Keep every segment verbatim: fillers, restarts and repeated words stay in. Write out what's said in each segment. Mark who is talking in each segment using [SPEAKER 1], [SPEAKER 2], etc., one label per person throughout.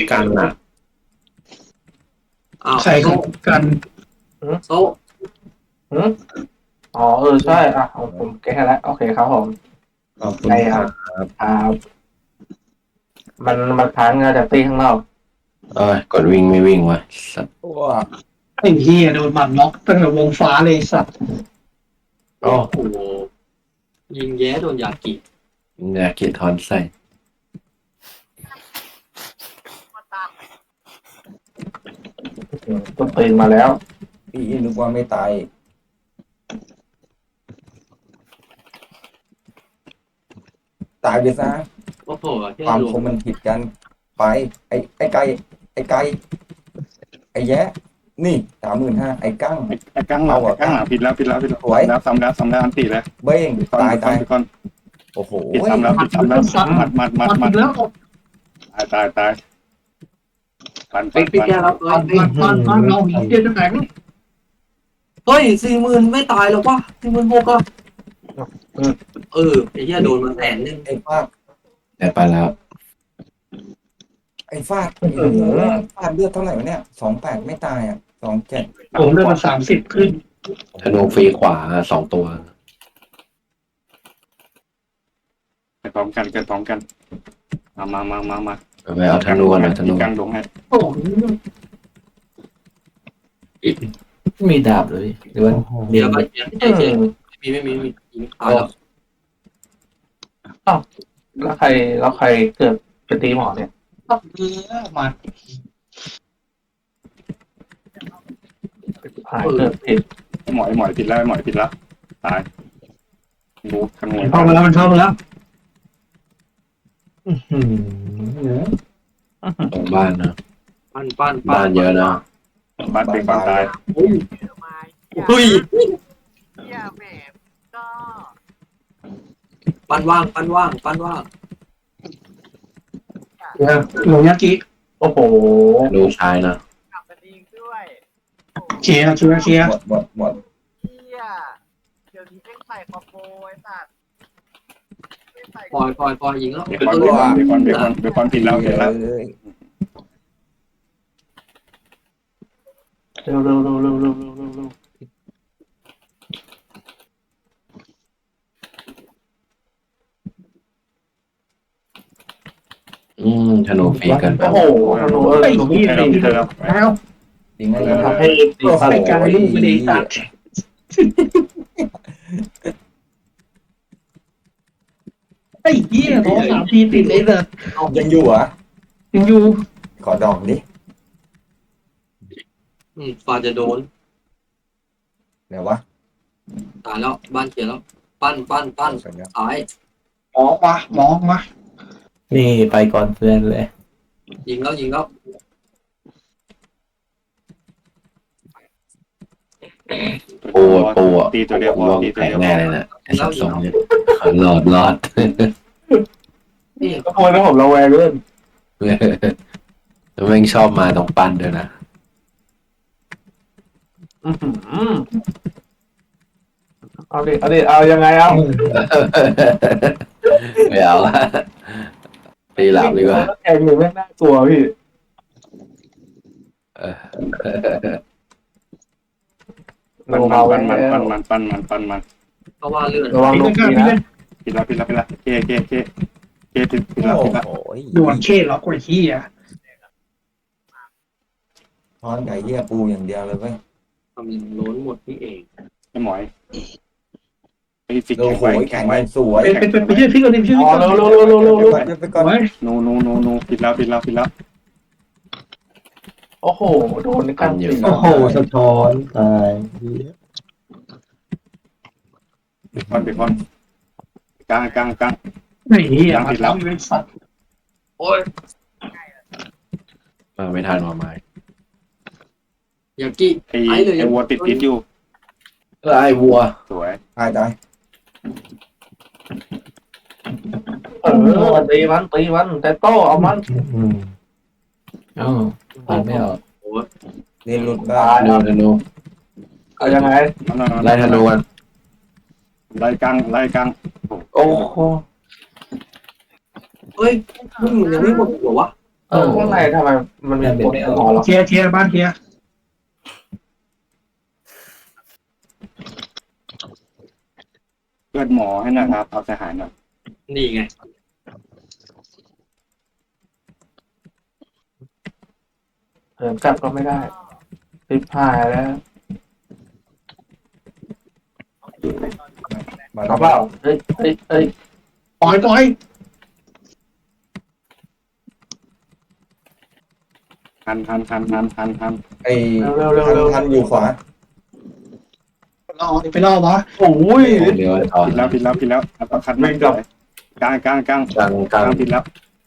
[SPEAKER 1] กันอ่ะ
[SPEAKER 2] อ้าว
[SPEAKER 3] ใครของกัน
[SPEAKER 2] โซ่
[SPEAKER 4] หืมอ๋อเออใช่อ่ะผมผมแก้แล้วโอเคครับผม
[SPEAKER 1] ขอบคุณ
[SPEAKER 4] ใช่
[SPEAKER 1] ค
[SPEAKER 4] ครั
[SPEAKER 1] รับ บ
[SPEAKER 4] ครับมันมันค้างงานจากตีข้างนอก
[SPEAKER 1] เอ้ยกดวิ่งไม่วิ่งวะสัตว์
[SPEAKER 5] ว้า
[SPEAKER 3] ไอ้เหี้ยโดนหมัดล็อกตั้งแต่วงฟ้าเลยสัตว์
[SPEAKER 1] โอ้
[SPEAKER 2] โอ้โหยิงแย้โดนยากิ
[SPEAKER 1] อยากเกียดทอนใส่
[SPEAKER 4] ต้นตีนมาแล้ว
[SPEAKER 5] พี่นึกว่าไม่ตายตายไปซะ
[SPEAKER 2] โอ้โหแค่
[SPEAKER 5] ความ
[SPEAKER 2] รว
[SPEAKER 5] คมมันผิดกันไป ไอ้ไอ้ไก่ไอ้ไก่ไอ้แยะนี่สามหมื่นห้าไอ้กั้ง
[SPEAKER 6] ไอ้กั้งหลังไอ้กั้งหลังผิดแล้วผิดแล้วผิดแล้ว
[SPEAKER 5] สวย
[SPEAKER 6] แล้วซ้ำแล้วซ้ำแล้วอันตีแล้ว
[SPEAKER 5] เบ้ง
[SPEAKER 6] ผิดก่อน
[SPEAKER 5] ตาย
[SPEAKER 6] ผิดก่อ
[SPEAKER 5] ตาน ย
[SPEAKER 6] ผิดก่อน
[SPEAKER 5] โอ้โห
[SPEAKER 6] ผิดซ้ำแล้วผิดซ้ำแล้วมัดมัด
[SPEAKER 3] ห
[SPEAKER 6] มัด
[SPEAKER 3] มั
[SPEAKER 6] มั
[SPEAKER 3] ด
[SPEAKER 6] ด
[SPEAKER 3] อีกแล้ว
[SPEAKER 6] ตายตายตายปัน
[SPEAKER 2] ไป
[SPEAKER 6] ปัน
[SPEAKER 2] ไปแก้แล้ว
[SPEAKER 3] หมัดหมัดหมัดหมัดเราหีเดียวจะแข็ง
[SPEAKER 2] เฮ้ยสี่หมื่นไม่ตายหรอกวะสี่หมื่นหกอะเออไอ้เหี้ยโดนมาแสนนึง
[SPEAKER 5] ไอ้ฟาด
[SPEAKER 1] แต่ไปแล้ว
[SPEAKER 5] ไอ้ฟาดฟาดเลือดเท่าไหร่วะเนี่ยสองแปดไม่ตายอ่ะสองเจ็ด
[SPEAKER 3] ผมได้มาสามสิบขึ้น
[SPEAKER 1] ธนูฟรีขวาสองตัว
[SPEAKER 6] ไปพร้อมกันเกิดพร้อมกันมามามามามา
[SPEAKER 1] ไปเอาธนูกันนะธนู
[SPEAKER 6] กั้งลงให้
[SPEAKER 3] โอ้โห
[SPEAKER 7] มีดาบเลยหรือว่า
[SPEAKER 2] เดี๋ยวไปเดี๋ยวใจเย็นไม่มีไม่มีไม่มียิงตายแล้ว
[SPEAKER 4] แล้วใครแล้วใครเกิดเป็นตีหมอเนี่ย
[SPEAKER 3] ตับเนื้อหมัด
[SPEAKER 4] หายเกิดผิด
[SPEAKER 6] หมอยหมอยผิดแล้วหมอยผิดแล้วตายดูขโมย
[SPEAKER 3] เข้ามาแล้วมันเข้ามาแล้ว
[SPEAKER 1] ตรงบ้านนะ
[SPEAKER 2] ปั้นปั้น
[SPEAKER 1] บ้านเยอะนะ
[SPEAKER 6] บ้านเป็นบ้านตาย
[SPEAKER 2] เฮ้ย
[SPEAKER 8] อย่าแหมก็
[SPEAKER 2] ปั้นว่างปั้นว่างปั้นว่าง
[SPEAKER 3] หลงยากิ
[SPEAKER 4] โอ้โห
[SPEAKER 1] ธนูชายนะ
[SPEAKER 8] กลับมาดีด้วย
[SPEAKER 3] เคลียร์เคลียร์เคลียร์
[SPEAKER 5] หมดหมดหมด
[SPEAKER 8] เฮียเดี๋ยวนี้เอ็งใส่คอมโบไอ้สัตว์เอ็งใส่
[SPEAKER 2] ปล่อยปล่อยปล่อยยิงแล้ว
[SPEAKER 6] เบคอนเบคอนเบคอนเบคอนเบคอนผิดแล้วผิดแล้ว
[SPEAKER 5] เลย
[SPEAKER 4] เร็วเร็วเร็วเร็วเร็วเร็วเร็วเร็ว
[SPEAKER 1] อืมธนูฟรีเกันไป
[SPEAKER 4] โอ้โหธนูเออ
[SPEAKER 3] ไอ้
[SPEAKER 4] ธนู
[SPEAKER 3] เหี้ย
[SPEAKER 6] ให้
[SPEAKER 3] ตี
[SPEAKER 6] เรา
[SPEAKER 3] แล้
[SPEAKER 6] เจอแล้ว
[SPEAKER 3] ว
[SPEAKER 5] จริงไหม
[SPEAKER 4] ทำให้ตี
[SPEAKER 3] ก็
[SPEAKER 4] ฟัน
[SPEAKER 3] ใส่การลูกไม่ได้ตัดไอ้เหี้ยท้องสามทีติดเลยเลย
[SPEAKER 5] ยังอยู่เหรอ่ะ
[SPEAKER 3] ยังอยู่
[SPEAKER 5] ขอดองดิ
[SPEAKER 2] อืมฟาจะโดน
[SPEAKER 5] เดี๋ยววะ
[SPEAKER 2] ตายแล้วบ้านเขียนแล้ว ปั้นปั้นปั้น
[SPEAKER 5] สัญญา
[SPEAKER 2] ตาย
[SPEAKER 3] หมองมาหมองมา
[SPEAKER 7] นี่ไปก่อนเพื่อนเลย
[SPEAKER 2] ยิงแล้วยิงแล้ว
[SPEAKER 1] ปูปูอ่ะ
[SPEAKER 6] ตีตัวเดียวพอ
[SPEAKER 1] วง
[SPEAKER 6] ตีตัว
[SPEAKER 1] แข็ง
[SPEAKER 6] เดียว
[SPEAKER 1] แน่เลยนะไอ้สัตว์สองเนี่ยหลอดหลอด
[SPEAKER 2] นี่
[SPEAKER 4] ก็โวยนะผมระแวงเล่น
[SPEAKER 1] แล้วแม่งชอบมาตรงปั้นด้วยนะ
[SPEAKER 4] อื้อหือเอาดิเอาดิเอายังไงเอา
[SPEAKER 1] ไม่เอาละตีหลับดีกว่า
[SPEAKER 4] แข่งอยู่แม่งน่ากลัวพี่
[SPEAKER 1] เออ
[SPEAKER 6] ปั้น
[SPEAKER 4] เรา
[SPEAKER 6] มัน
[SPEAKER 4] แล้
[SPEAKER 6] ปั้น
[SPEAKER 4] ว
[SPEAKER 6] มันปั้นมันปั้นมัน
[SPEAKER 2] เพราะว่าเลื่อน
[SPEAKER 4] ระวัง
[SPEAKER 3] พี่
[SPEAKER 4] ลู
[SPEAKER 3] เล่
[SPEAKER 4] ก
[SPEAKER 3] นกัน
[SPEAKER 4] นี้
[SPEAKER 3] พี่
[SPEAKER 4] นะ
[SPEAKER 3] เล่น
[SPEAKER 6] ผิดแล้วผิดแล้วผิดแล้วเคเคเคเคผิดผิดแล้ว
[SPEAKER 5] โอ้
[SPEAKER 6] ผิดแล้ว
[SPEAKER 5] โห
[SPEAKER 3] ด่วนเคล็อกไอ้เหี้ย
[SPEAKER 5] ทอนไก่เหี้ยปูอย่างเดียวเลยเว้ย
[SPEAKER 2] ทำอย่างล้นหมดนี่เอง
[SPEAKER 6] ไอ้หมอยไอ้ฟิก
[SPEAKER 5] โอ้
[SPEAKER 6] แข็ง
[SPEAKER 5] โห
[SPEAKER 6] ไว้
[SPEAKER 5] แข็
[SPEAKER 6] แข็
[SPEAKER 5] ง
[SPEAKER 6] ง
[SPEAKER 5] แร
[SPEAKER 6] ไว้
[SPEAKER 5] งสวย
[SPEAKER 3] ไปไปไปช่วยพี่ก่อนดิช่วย
[SPEAKER 4] อ๋
[SPEAKER 3] พี่
[SPEAKER 4] อ
[SPEAKER 3] ก่อน
[SPEAKER 4] เร็วเร็วเร็วเร็วเร็ว
[SPEAKER 5] ไป
[SPEAKER 4] เร็ว
[SPEAKER 5] ก่อนไปก่อน
[SPEAKER 3] ไว้
[SPEAKER 6] นูนูนูนูผิดแล้วผิดแล้วผิดแล้ว
[SPEAKER 4] โอ้โหโดนในการตี
[SPEAKER 1] โอ้
[SPEAKER 7] โอ้โหสะท้อนตาย
[SPEAKER 6] เบคอนเบคอนกลางกลางกลาง
[SPEAKER 3] ไอ้เหี้ยมาแล้วไอ้สัตว์
[SPEAKER 2] โอ้ย
[SPEAKER 1] มาไม่ทันว่าไม้
[SPEAKER 2] ยากิ
[SPEAKER 6] ไอ้ไอ้วัวติดติดอยู่
[SPEAKER 1] เออไอ้วัว
[SPEAKER 6] สวย
[SPEAKER 5] ตายตาย
[SPEAKER 4] เออตีมันตีมันแต่โต้เอามัน
[SPEAKER 7] อืมเอ้าปันไม่ออก
[SPEAKER 5] เรียนหลุดบ้า
[SPEAKER 4] ตาย
[SPEAKER 1] ธนูธนู
[SPEAKER 4] เอายังไง
[SPEAKER 1] ไล่ธนูกัน
[SPEAKER 6] ไล่กลางไล่กลาง
[SPEAKER 1] โอ้โห
[SPEAKER 2] เฮ้ยมึงยังไม่หมดหัววะ
[SPEAKER 4] เออข้างในทำไมมันมี
[SPEAKER 7] เป็น
[SPEAKER 4] กฎ
[SPEAKER 7] ไม่
[SPEAKER 4] ห
[SPEAKER 7] อ
[SPEAKER 4] ม
[SPEAKER 7] อ
[SPEAKER 4] อก เหรอ
[SPEAKER 3] เคลียร์เคลียร์บ้านเคลียร์
[SPEAKER 6] เลือดหมอให้หน่อยครับเอาทหารหน่อย
[SPEAKER 2] นี่ไง
[SPEAKER 4] เหินกลับก็ไม่ได้ติดพายแล้ว
[SPEAKER 5] มา
[SPEAKER 4] เอาเปล่าเอ้ยเอ้ยเอ้ย
[SPEAKER 3] ปล่อยปล่อย
[SPEAKER 6] หันหันหันหันหันหัน
[SPEAKER 5] ไอ้
[SPEAKER 4] เร็วเร็ว
[SPEAKER 5] ทัน
[SPEAKER 4] เร็ว
[SPEAKER 5] ทันอยู่ขวา
[SPEAKER 3] รอไปรอวะ
[SPEAKER 4] โอ้ย
[SPEAKER 1] เดี๋ยวตอน
[SPEAKER 6] ผิดแล้วผิดแล้วผิดแล้วเอาประคันไม่กลับกลางกลางกลาง
[SPEAKER 1] กลางก
[SPEAKER 6] ก
[SPEAKER 1] ลา
[SPEAKER 6] ลาง งผิดแล้ว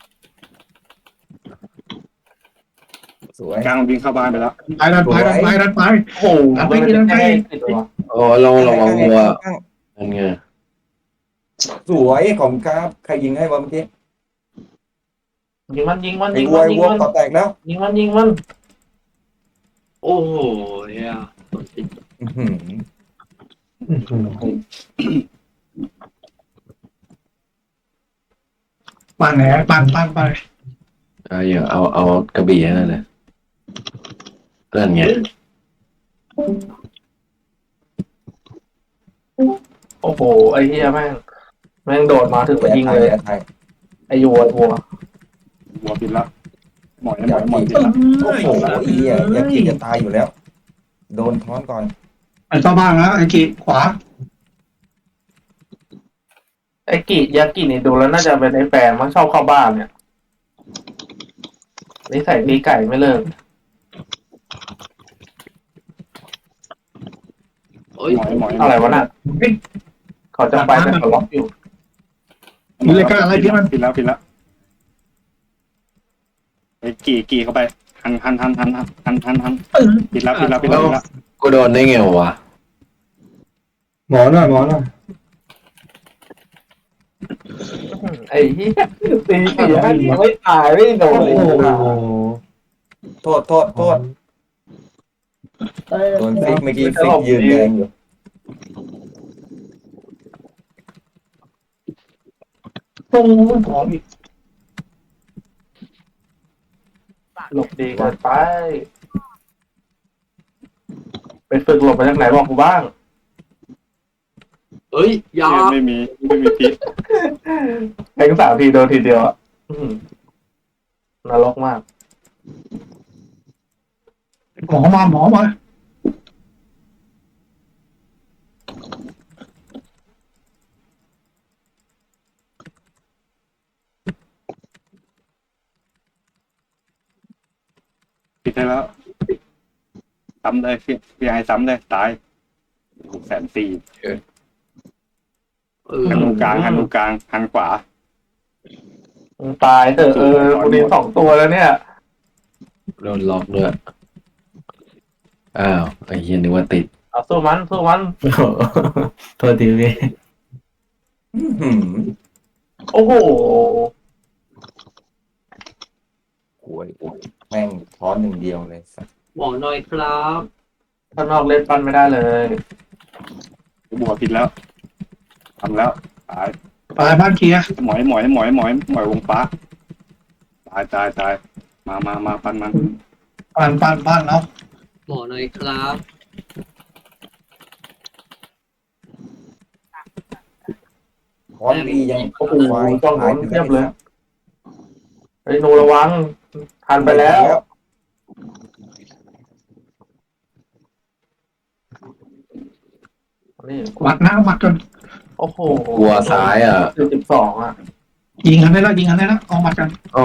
[SPEAKER 5] สวย
[SPEAKER 6] กลางวิ่งเข้าบ้านไปแล้ว
[SPEAKER 3] ไปดันไปดันไปดันไป
[SPEAKER 4] โอ้โหมันไม่ได้ติดตัว
[SPEAKER 1] โอ้เราระวังวัวนั่นไง
[SPEAKER 5] สวยของครับใครยิงให้วะเมื่อกี้
[SPEAKER 4] ยิงมันยิงมัน
[SPEAKER 5] ไอ้
[SPEAKER 4] ยิง
[SPEAKER 5] วัว
[SPEAKER 4] มัน
[SPEAKER 5] ไอ้
[SPEAKER 4] ยิง
[SPEAKER 5] วัว
[SPEAKER 4] มัน
[SPEAKER 5] ต่อแตกแล้ว
[SPEAKER 4] ยิงมันยิงมัน
[SPEAKER 2] โอ้โหเนี่ยโดนติด
[SPEAKER 5] อื้อหือ
[SPEAKER 3] ปั่นแหนปั่นปั่นไป
[SPEAKER 1] เอาอย่างเอาเอากระบี่ให้นั่นเลยนั่นไง
[SPEAKER 4] โอ้โหไอ้เหี้ยแม่งแม่งโดดมาถึงมายิงเลย
[SPEAKER 5] แอร์ไทย
[SPEAKER 4] ไอ้ยัวทัว
[SPEAKER 6] หัวผิดแล้วหมอยหมอยหมอยผิด
[SPEAKER 3] เอ
[SPEAKER 6] แล้ว
[SPEAKER 5] โอ้
[SPEAKER 3] อ
[SPEAKER 5] โหไอ้เหี้ยอยากกินจะตายอยู่แล้ว โดนท้อนก่อน
[SPEAKER 3] ไอ้เข้าบ้านแล้วไอ้กีขวา
[SPEAKER 4] ไอ้กิยากินี่ดูแล้วน่าจะเป็นไอ้แฟนมันชอบเข้าบ้านเนี่ยนิสัยตีไก่ไม่เลิก
[SPEAKER 2] โอ้ย
[SPEAKER 6] หมอยหมอย
[SPEAKER 4] อะไรวะน่ะเขาจะไปแต่เขาล็อกอยู่
[SPEAKER 3] มีเลยกล้าอะไรที่มัน
[SPEAKER 6] ผิดแล้วผิดแล้วไอ้กี่กี่เข้าไปหันหันหันหันหันหันหันหันผิดแล้วผิดแล้วผิดแล้วผิดแล้ว
[SPEAKER 1] กูโดนได้ไงวะ
[SPEAKER 5] หมอหน่อยหมอหน่อย
[SPEAKER 4] ไอ้เหี้ยตีกี่ยากิไม่ตายไม่โดนเลย
[SPEAKER 5] โทษโทษโทษโดนฟิกเมื่อกี้ฟิกยืนแดงอยู่
[SPEAKER 3] ตรงหอมอีก
[SPEAKER 4] หลบดีเกินไปไปฝึกหลบมาจากไหนบอกกูบ้าง
[SPEAKER 2] เอ้ยอยา
[SPEAKER 6] ไม่มีไม่มีพิษ
[SPEAKER 4] แข่งสามทีโดนทีเดียวอ่ะอื้อหือนรกมาก
[SPEAKER 3] หมอมาหมอมา
[SPEAKER 6] ผิดได้แล้วซ้ำเลยพี่พี่ไอ้ซ้ำเลยตายแสนสี่
[SPEAKER 2] เออ
[SPEAKER 6] หันตรงกลางหันตรงกลางหันขวา
[SPEAKER 4] มึงตายเถอะเออกูมีสองตัวแล้วเนี่ย
[SPEAKER 1] โดนล็อกด้วยอ้าวไอ้เหี้ยนึกว่าติด
[SPEAKER 4] เอาสู้มันสู้มัน
[SPEAKER 7] โอ้โหโทษทีพี่
[SPEAKER 5] อื้อหือ
[SPEAKER 4] โอ้โห
[SPEAKER 5] โอ้ยโอ้ยแม่งท้อนหนึ่งเดียวเลยสัส
[SPEAKER 2] หมอหน่อยครับ
[SPEAKER 4] ข้างนอกเล่นปั้นไม่ได้เลย
[SPEAKER 6] บวกผิดแล้วทำแล้วตาย
[SPEAKER 3] ไปบ้านเคลียร์
[SPEAKER 6] หมอยหมอยหมอยหมอยหมอยวงฟ้าตายตายตายมามามาปันมัน
[SPEAKER 3] ปั่นปั่นปั่นแล้ว
[SPEAKER 2] หมอหน่อยครับ
[SPEAKER 5] ท้อนดียัง
[SPEAKER 4] โอ้โห
[SPEAKER 5] ควาย
[SPEAKER 4] ต้องโด
[SPEAKER 5] หาย
[SPEAKER 4] น
[SPEAKER 5] ไป
[SPEAKER 4] เทียบเลย
[SPEAKER 5] แล้ว
[SPEAKER 4] ไอ้ยหนูระวังทันไปแล้ว นี่
[SPEAKER 3] วัดหน้าวัดกัน
[SPEAKER 4] โอ้โห
[SPEAKER 1] วัวซ้ายอ่ะ
[SPEAKER 4] สิบสิบสองอ่ะ
[SPEAKER 3] ยิงกันได้แล้วยิงกันได้แล้วเอามัดกัน
[SPEAKER 1] อ๋อ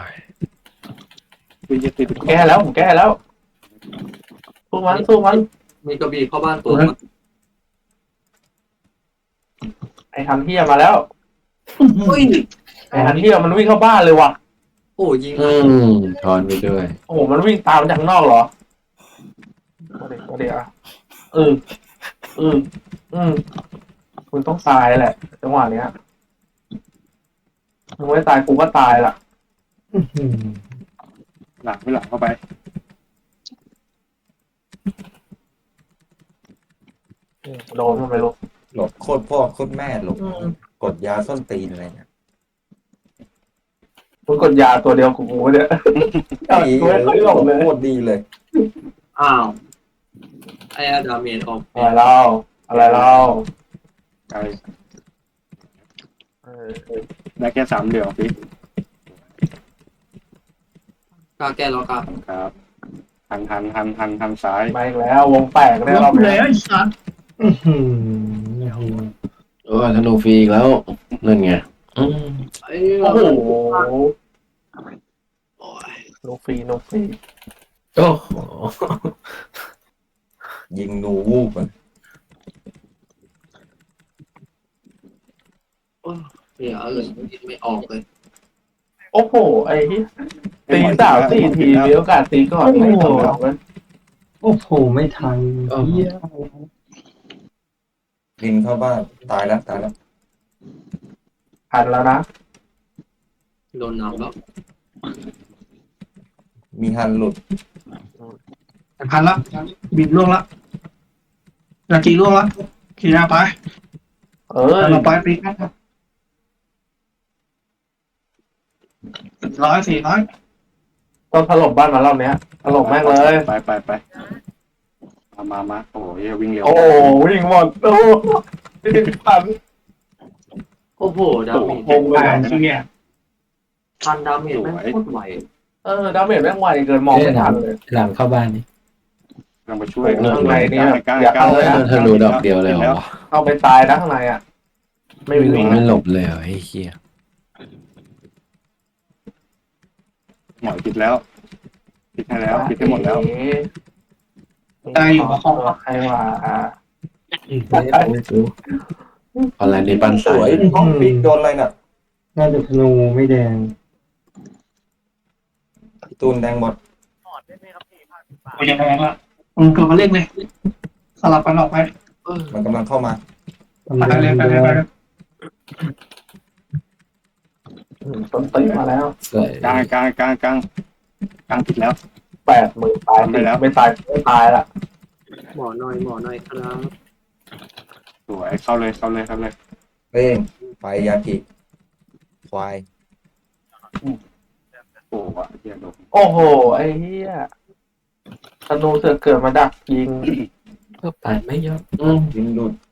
[SPEAKER 6] คือจะติด
[SPEAKER 4] แก้แล้วผมแก้แล้วสู้มันสู้มัน
[SPEAKER 2] มีกระบี่เข้าบ้านตัวนะ
[SPEAKER 4] ไอ้ฮันเทียมาแล้ว
[SPEAKER 2] เฮ้ย
[SPEAKER 4] ไอ้ฮันเทียมันวิ่งเข้าบ้านเลยว่ะ
[SPEAKER 2] โอ้ยิง
[SPEAKER 1] อืมถอนไปด้วย
[SPEAKER 4] โอ้โหมันวิ่งตามมาจากข้างนอกเหรอมาเดี๋ยวมาเดี๋ยวอ่ะเออเอออืมคุณต้องตายแหละจังหวะเนี้ยมึงไม่ตายกูก็ตายล่ะ
[SPEAKER 6] หลังไปหลังเข้าไป
[SPEAKER 4] โดนมันไปลูก
[SPEAKER 5] หลบโคตรพ่อโคตรแม่หลบกดยาส้นตีนอะไรเนี่ย
[SPEAKER 4] มึงกดยาตัวเดียวกูเนี่ย
[SPEAKER 5] ไอ้
[SPEAKER 4] กู
[SPEAKER 5] เอ
[SPEAKER 4] ไม่ค่อยหลงเลย
[SPEAKER 5] โคตรดีเลย
[SPEAKER 2] อ้าวไอ้อาดาเมจออก
[SPEAKER 4] อะไรเล่าอะไรเล่า
[SPEAKER 6] ไกล
[SPEAKER 4] เออ
[SPEAKER 6] ได้แค่สามเดียวพี่
[SPEAKER 2] กล้าแก้แล้วกล้า
[SPEAKER 6] ครับหันหันหันหันหันซ้าย
[SPEAKER 4] มาอีกแล้ววงแตกได้
[SPEAKER 3] ล็
[SPEAKER 4] ร
[SPEAKER 3] อ
[SPEAKER 4] อก บ
[SPEAKER 3] แล้
[SPEAKER 4] นี้
[SPEAKER 3] วไอ้สัตว์
[SPEAKER 7] อื้อหือโอ้โห
[SPEAKER 1] โอ้ยธนูฟรีอีกแล้วนั่นไงอืม
[SPEAKER 2] ไอ้
[SPEAKER 4] โอ้โห
[SPEAKER 2] โอ้ย
[SPEAKER 4] โนฟรีโนฟรี
[SPEAKER 7] โอ้โห
[SPEAKER 5] ยิงหนูวูบมัน
[SPEAKER 2] เสียเลยยิงไม่ออกเลย
[SPEAKER 4] โอ้โหไอ้ที่ตีสามสี่ทีมีโอกาสตีก่อนไม่ถูกแล้วมัน
[SPEAKER 7] โอ้โหไม่ทันเหี้ย
[SPEAKER 5] บินเข้าบ้านตายแล้วตายแล้ว
[SPEAKER 4] ทันแล้วนะ
[SPEAKER 2] โดนน้ำแล้ว
[SPEAKER 5] มีฮันหลุด
[SPEAKER 3] พันละบินล่วงละนาจีล่วงละขี่หน้าไป
[SPEAKER 4] เออ
[SPEAKER 3] เราไปปีกันร้อยสี่ร้อย
[SPEAKER 4] ต้องถล่มบ้านมารอบเนี้ยถล่มแม่งเลย
[SPEAKER 6] ไปไปไปมามามาโอ้ยวิ่งเร็ว
[SPEAKER 4] โอ้วิ่งหมดโอ้พัน
[SPEAKER 2] โอ้โหดาเมจ
[SPEAKER 3] วงแปดเชี่ย
[SPEAKER 2] พันดาเมจแม่งโคตรไหว
[SPEAKER 4] เออดาเมจแม่งไวเกินมองไม่ทันเลย
[SPEAKER 7] หลังเข้าบ้านนี่
[SPEAKER 6] กำลังไปช่วย
[SPEAKER 4] ข้างในเนี่ย
[SPEAKER 6] กล้า
[SPEAKER 4] อย่า
[SPEAKER 6] กล้า
[SPEAKER 4] เข้าเลยนะ
[SPEAKER 1] ธนูดอกเดียวเลยเหรอวะ
[SPEAKER 4] เข้าไปตายนะข้างในอ่ะ ไม่
[SPEAKER 1] ไม่
[SPEAKER 4] วิ่ง
[SPEAKER 1] ไม่หลบเลยเหรอไอ้เหี้ย
[SPEAKER 6] หมอยปิดแล้วปิดให้แล้วปิดให้หมดแล้ว
[SPEAKER 3] ตายอยู่กับห้อง
[SPEAKER 4] ใครว่าอ่า
[SPEAKER 7] ไม่ได้ไปดู
[SPEAKER 1] ออนไลน์ในปั้น
[SPEAKER 5] ส
[SPEAKER 1] สา
[SPEAKER 5] วย
[SPEAKER 1] ย
[SPEAKER 5] ห้องปิกโดนอะไรน่ะ
[SPEAKER 7] น่าจะธนูไม่แดง
[SPEAKER 5] พี่ตูนแดงหมด
[SPEAKER 8] หมอดได้ไหมครับพี่พันบาท
[SPEAKER 3] กูจะแพงละมึงกลับมาเล่นเลยสลับกันออกไป
[SPEAKER 2] เออ
[SPEAKER 5] มันกำลังเข้ามา
[SPEAKER 3] ไปเลยไปเลยไปเลย
[SPEAKER 4] ต้นตีมาแล้ว
[SPEAKER 7] สวย
[SPEAKER 6] กลางกลางกลางกลางกลางปิดแล้ว
[SPEAKER 4] แปดหมื่นตายไม่แล้วไม่ตายไม่ตายละ
[SPEAKER 2] หมอหน่อยหมอหน่อยครับ
[SPEAKER 6] สวยเข้าเลยเข้าเลยเข้าเลย
[SPEAKER 5] เร่งไฟยากิควาย
[SPEAKER 6] โอ้วะเฮียโดน
[SPEAKER 4] โอ้โหไอ้เหี้ยธนูเสือเกิดมาดักยิง
[SPEAKER 7] ก็ปาดไม่ยอมอืม
[SPEAKER 5] ยิงหลุด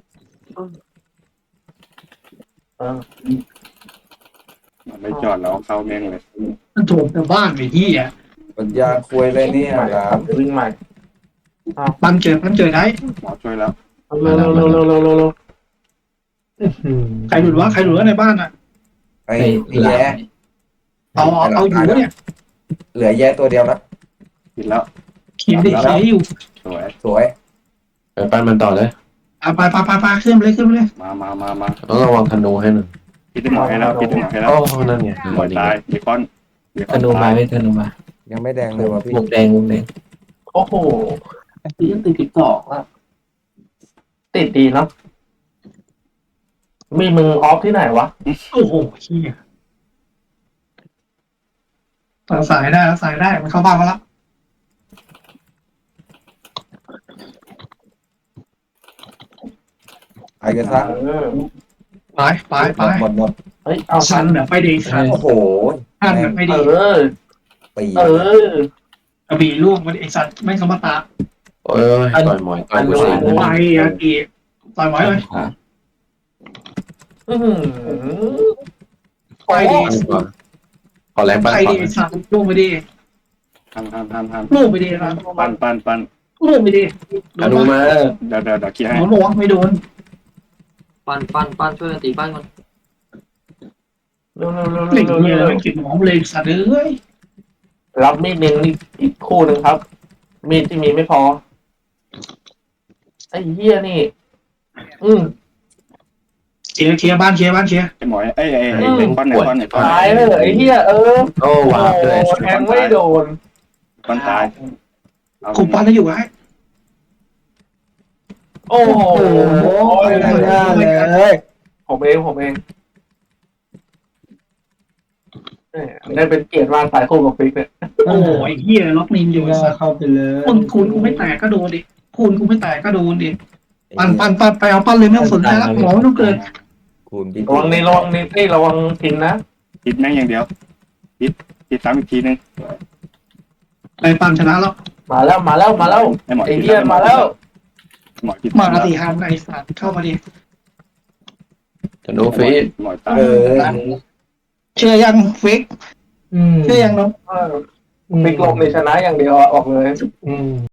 [SPEAKER 4] เออ
[SPEAKER 6] มันไม่จอดแล้วเข้าแม่งเลย
[SPEAKER 3] มันโถมแต่บ้านไอ้ที่อ่ะ
[SPEAKER 5] ปัญญาควยเลยเนี่ยหลาม
[SPEAKER 4] วิ่งใหม่
[SPEAKER 3] ปันเจอปันเจอได้
[SPEAKER 6] หมอช่วยแล้ว
[SPEAKER 4] เร็วเร็วเร็วเร็วเร็วเร็วเร็ว
[SPEAKER 7] อื้อหือ
[SPEAKER 3] ใครหลุดวะใครหลุดวะในบ้านอ่ะ
[SPEAKER 5] ไอ้
[SPEAKER 7] ไอ้
[SPEAKER 5] ไอ้
[SPEAKER 7] หลัง
[SPEAKER 5] แย่
[SPEAKER 3] เอาเอาเอาอยู่วะเนี่ย
[SPEAKER 5] เหลือแย่ตัวเดียวนะ
[SPEAKER 6] ปิดแล้ว
[SPEAKER 3] เขียนดิเขียนอยู่
[SPEAKER 6] สวย
[SPEAKER 5] สวย
[SPEAKER 1] ไปปั้นมันต่อเลย
[SPEAKER 3] อ่ะไปไปไปไปขึ้นไปเลยขึ้นไปเลย
[SPEAKER 6] มามามามา
[SPEAKER 1] ต้องระวังธนูให้หน่อย
[SPEAKER 6] ปิดให้หมอให้แล้วปิดให้หมอให้แล้ว
[SPEAKER 1] โอ้นั่นไง
[SPEAKER 6] หมอตายเบคอนเบค
[SPEAKER 7] ธ
[SPEAKER 6] อน
[SPEAKER 7] นูมา
[SPEAKER 6] ตาย
[SPEAKER 7] ไม่ธนูมา
[SPEAKER 5] ยังไม่แดงเลยว่ะพี่
[SPEAKER 7] วงแดงวงแดง
[SPEAKER 4] โอ้โหตียังติดติดสองอ่ะติดดีเนาะมีมือออฟที่ไหนวะ
[SPEAKER 3] โอ้โหเชี่ยรักษาได้รักษาได้มันเข้าบ้านมาแล้ว
[SPEAKER 5] ไอ้กระซัง
[SPEAKER 4] เออ
[SPEAKER 3] ไปไปไป
[SPEAKER 5] หมดหมด
[SPEAKER 4] เฮ้ยเอา
[SPEAKER 3] ชันแบบไม่ดีชัน
[SPEAKER 5] โอ้โห
[SPEAKER 3] ชันแบบไม่
[SPEAKER 4] เอ
[SPEAKER 3] ดี
[SPEAKER 4] อ
[SPEAKER 5] ปี
[SPEAKER 4] เออก
[SPEAKER 3] ระบี่ล่วงมาดิไอสัตว์ไม่สมตา
[SPEAKER 1] โอ้ยต่อยหมอยต่อยกูสาม
[SPEAKER 3] ไปอากีต่อยไว้เลย
[SPEAKER 7] ขวา
[SPEAKER 4] อื้อหือ
[SPEAKER 3] ไปดี
[SPEAKER 1] ขอแรงปั้น
[SPEAKER 3] ไป
[SPEAKER 1] ก่อ
[SPEAKER 3] ดี
[SPEAKER 1] น
[SPEAKER 3] ไอสัตว์ล่วงไปดี
[SPEAKER 6] ทำทำทำท
[SPEAKER 3] ล่วงไปดีครับ
[SPEAKER 6] ำปั้นปั้นปั้น
[SPEAKER 3] ล่วงไปดี
[SPEAKER 1] ธนูมา
[SPEAKER 6] เดี๋ยวเดี๋ยวเดี๋ยวเคลียร์ให้
[SPEAKER 3] หมอบอกว่าไม่โดน
[SPEAKER 2] ปั้นปั้นปั้นช่วยกันตีปั้นก่อน
[SPEAKER 4] เร็วเร็วเร็ว
[SPEAKER 3] หลีก
[SPEAKER 4] เร็ว
[SPEAKER 3] เงี้ย
[SPEAKER 4] เร็ว
[SPEAKER 3] ไม่กินหมอเลยสัตว์เอ้ย
[SPEAKER 4] รับมีดหนึ่งอีกอีกคู่หนึ่งครับ มีดที่มีไม่พอ ไอ้เหี้ยนี่ อืม
[SPEAKER 3] เคลียร์เคลียร์บ้านเคลียร์บ้านเคลียร์
[SPEAKER 6] ไอ้หมอยเอ้ยไอ้ไอ้เบคอนไอ้คอนไอ้คอน
[SPEAKER 4] ตายเลยไอ้เหี้ยเออ
[SPEAKER 1] โอ้ว้าวด้วย
[SPEAKER 4] โอ้แทงไม่โดน
[SPEAKER 6] คอนตายเอา
[SPEAKER 3] คุมบ้านแล้วอยู่ไว้
[SPEAKER 4] โอ้โห
[SPEAKER 3] ไปได้เลย
[SPEAKER 4] ผมเองผมเองเอ้ยได้เป็นเกียรติมากสายคู่กับฟิกเนี่ย
[SPEAKER 3] โอ้ยเฮียล็อกนินอยู่ไอ้สัตว์
[SPEAKER 7] เข้าไปเลย
[SPEAKER 3] คุณคุณกูไม่แตกก็โดนดิคุณกูไม่แตกก็โดนดิปั่นปั่นปั่นไปเอาปั้นเลยไม่ต้องสนใจละหมอไม่ต้องเกิน
[SPEAKER 5] คูณพี่
[SPEAKER 4] ระวังนี่ระวังนี่นี่ระวังทิ้งนะ
[SPEAKER 6] ปิดแม่งอย่างเดียวพี่ซ้ำอีกทีนึง
[SPEAKER 3] ไปปั๊มชนะแล้ว
[SPEAKER 4] มาแล้วมาแล้วมาแล้ว
[SPEAKER 6] ไอ้หมอ
[SPEAKER 4] ไอ้เหี้ยมาแล้ว
[SPEAKER 6] หมอกิน
[SPEAKER 3] มาสี่ฮันไอ้สัตว์เข้ามาดิ
[SPEAKER 1] จะโนฟีด
[SPEAKER 6] หมอตาย
[SPEAKER 5] เออ
[SPEAKER 3] เชื่อยังฟิก
[SPEAKER 7] อืม
[SPEAKER 3] เชื่อยังน้อง
[SPEAKER 4] เออฟิกลมในชนะอย่างเดียวอะออกเลย
[SPEAKER 7] อืม